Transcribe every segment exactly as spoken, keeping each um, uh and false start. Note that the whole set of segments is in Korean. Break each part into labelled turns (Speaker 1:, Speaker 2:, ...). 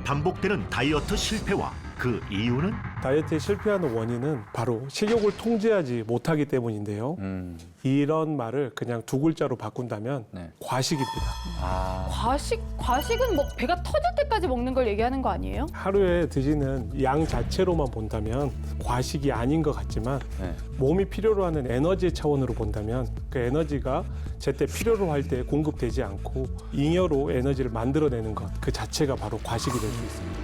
Speaker 1: 반복되는 다이어트 실패와 그 이유는
Speaker 2: 다이어트에 실패하는 원인은 바로 식욕을 통제하지 못하기 때문인데요.
Speaker 3: 음.
Speaker 2: 이런 말을 그냥 두 글자로 바꾼다면
Speaker 3: 네.
Speaker 2: 과식입니다.
Speaker 3: 아.
Speaker 4: 과식, 과식은 뭐 배가 터질 때까지 먹는 걸 얘기하는 거 아니에요?
Speaker 2: 하루에 드시는 양 자체로만 본다면 과식이 아닌 것 같지만
Speaker 3: 네.
Speaker 2: 몸이 필요로 하는 에너지 차원으로 본다면 그 에너지가 제때 필요로 할 때 공급되지 않고 잉여로 에너지를 만들어내는 것 그 자체가 바로 과식이 될 수 있습니다.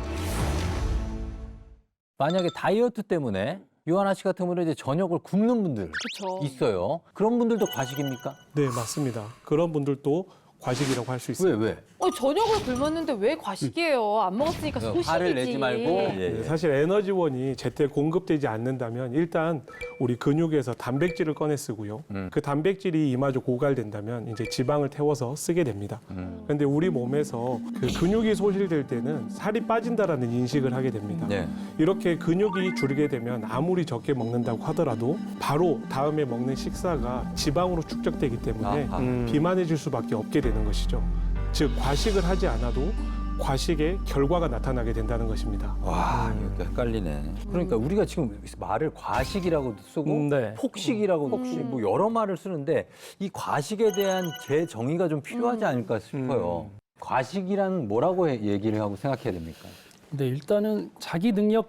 Speaker 3: 만약에 다이어트 때문에 요하나 씨 같은 경우는 이제 저녁을 굶는 분들
Speaker 4: 그렇죠.
Speaker 3: 있어요. 그런 분들도 과식입니까?
Speaker 2: 네, 맞습니다. 그런 분들도 과식이라고 할 수
Speaker 3: 왜
Speaker 2: 있습니다.
Speaker 3: 왜?
Speaker 4: 어, 저녁을 굶었는데 왜 과식이에요? 안 먹었으니까 소식이지.
Speaker 3: 화를 내지 말고. 예,
Speaker 2: 네,
Speaker 3: 예.
Speaker 2: 사실 에너지원이 제때 공급되지 않는다면 일단 우리 근육에서 단백질을 꺼내 쓰고요.
Speaker 3: 음.
Speaker 2: 그 단백질이 이마저 고갈된다면 이제 지방을 태워서 쓰게 됩니다.
Speaker 3: 음.
Speaker 2: 그런데 우리 몸에서 그 근육이 소실될 때는 살이 빠진다라는 인식을 하게 됩니다.
Speaker 3: 네.
Speaker 2: 이렇게 근육이 줄게 되면 아무리 적게 먹는다고 하더라도 바로 다음에 먹는 식사가 지방으로 축적되기 때문에
Speaker 3: 아하.
Speaker 2: 음. 비만해질 수밖에 없게 되는 것이죠. 즉 과식을 하지 않아도 과식의 결과가 나타나게 된다는 것입니다.
Speaker 3: 와, 이거 헷갈리네. 그러니까 우리가 지금 말을 과식이라고도 쓰고
Speaker 5: 음, 네.
Speaker 3: 폭식이라고도
Speaker 4: 폭식.
Speaker 3: 쓰고 뭐 여러 말을 쓰는데 이 과식에 대한 재정의가 좀 필요하지 않을까 싶어요. 과식이란 뭐라고 해- 얘기를 하고 생각해야 됩니까?
Speaker 5: 근데 일단은 자기 능력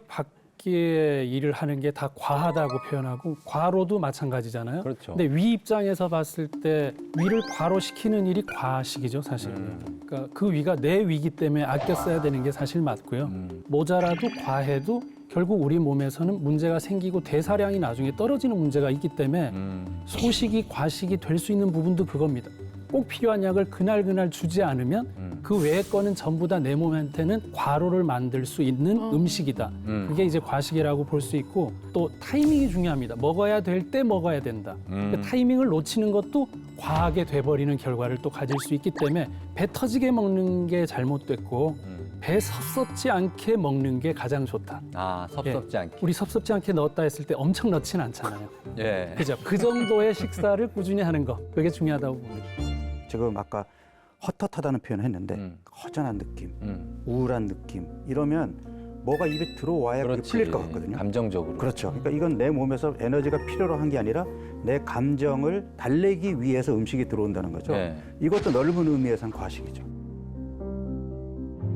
Speaker 5: 밖의 일을 하는 게 다 과하다고 표현하고 과로도 마찬가지잖아요.
Speaker 3: 그렇죠.
Speaker 5: 근데 위 입장에서 봤을 때 위를 과로시키는 일이 과식이죠, 사실은.
Speaker 3: 음.
Speaker 5: 그러니까 그 위가 내 위기 때문에 아껴 써야 되는 게 사실 맞고요.
Speaker 3: 음.
Speaker 5: 모자라도 과해도 결국 우리 몸에서는 문제가 생기고 대사량이 나중에 떨어지는 문제가 있기 때문에
Speaker 3: 음.
Speaker 5: 소식이 과식이 될 수 있는 부분도 그겁니다. 꼭 필요한 약을 그날 그날 주지 않으면
Speaker 3: 음.
Speaker 5: 그 외의 거는 전부 다 내 몸한테는 과로를 만들 수 있는
Speaker 4: 어.
Speaker 5: 음식이다.
Speaker 3: 음.
Speaker 5: 그게 이제 과식이라고 볼 수 있고 또 타이밍이 중요합니다. 먹어야 될 때 먹어야 된다.
Speaker 3: 음.
Speaker 5: 그 타이밍을 놓치는 것도 과하게 돼버리는 결과를 또 가질 수 있기 때문에 배 터지게 먹는 게 잘못됐고
Speaker 3: 음.
Speaker 5: 배 섭섭지 않게 먹는 게 가장 좋다.
Speaker 3: 아, 섭섭지 않게.
Speaker 5: 우리 섭섭지 않게 넣었다 했을 때 엄청 넣진 않잖아요.
Speaker 3: 예.
Speaker 5: 그죠? 그 정도의 식사를 꾸준히 하는 거 그게 중요하다고 봅니다.
Speaker 6: 지금 아까 헛헛하다는 표현을 했는데
Speaker 3: 음.
Speaker 6: 허전한 느낌,
Speaker 3: 음.
Speaker 6: 우울한 느낌 이러면 뭐가 입에 들어와야 그게
Speaker 3: 그렇지.
Speaker 6: 풀릴 것 같거든요.
Speaker 3: 감정적으로.
Speaker 6: 그렇죠. 그러니까 이건 내 몸에서 에너지가 필요로 한 게 아니라 내 감정을 달래기 위해서 음식이 들어온다는 거죠.
Speaker 3: 네.
Speaker 6: 이것도 넓은 의미에선 과식이죠.